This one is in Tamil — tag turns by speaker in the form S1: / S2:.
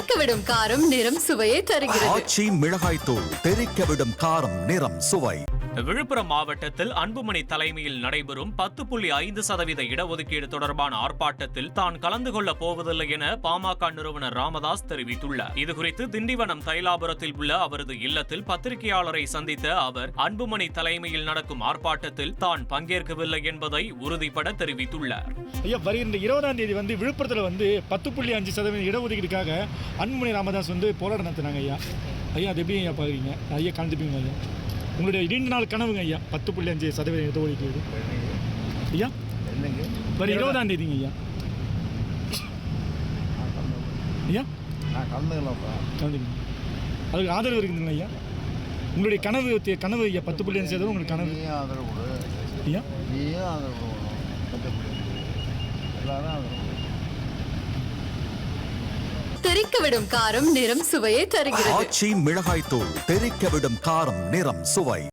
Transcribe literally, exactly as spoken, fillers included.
S1: தெறிக்கவிடும் காரம் நிறம் சுவையை தருகிறது.
S2: ஆச்சி மிளகாய் தூள் தெறிக்கவிடும் காரம் நிறம் சுவை.
S3: விழுப்புரம் மாவட்டத்தில் அன்புமணி தலைமையில் நடைபெறும் பத்து புள்ளி ஐந்து சதவீத இடஒதுக்கீடு தொடர்பான ஆர்ப்பாட்டத்தில் தான் கலந்து கொள்ள போவதில்லை என பாமக நிறுவனர் ராமதாஸ் தெரிவித்துள்ளார். இதுகுறித்து திண்டிவனம் தைலாபுரத்தில் உள்ள அவரது இல்லத்தில் பத்திரிகையாளரை சந்தித்த அவர் அன்புமணி தலைமையில் நடக்கும் ஆர்ப்பாட்டத்தில் தான் பங்கேற்கவில்லை என்பதை உறுதிபட தெரிவித்துள்ளார்.
S4: ஐயா, வருகின்ற இருபதாம் தேதி வந்து விழுப்புரத்தில் வந்து பத்து புள்ளி அஞ்சு சதவீத இடஒதுக்கீடுக்காக அன்புமணி ராமதாஸ் வந்து போராட்டம் நடத்தினாங்க. ஐயா ஐயா அது எப்படி ஐயா பாக்குறீங்க? ஐயா கலந்துப்பீங்க ஐயா? உங்களுடைய இரண்டு நாள் கனவுங்க ஐயா பத்து புள்ளி அஞ்சு சதவீதம் இடஒதுக்கீடு ஐயா வர இருபதாம் தேதிங்க ஐயா. ஐயா கலந்துக்கணும், அதுக்கு ஆதரவு இருக்குதுங்க ஐயா. உங்களுடைய கனவு கனவு ஐயா பத்து புள்ளி அஞ்சு சதவீதம் உங்களுக்கு கனவு ஐயா.
S1: தெறிக்கவிடும் காரம் நிறம் சுவையை தருகிறது.
S2: ஆச்சி மிளகாய் தூள் தெறிக்கவிடும் காரம் நிறம் சுவை.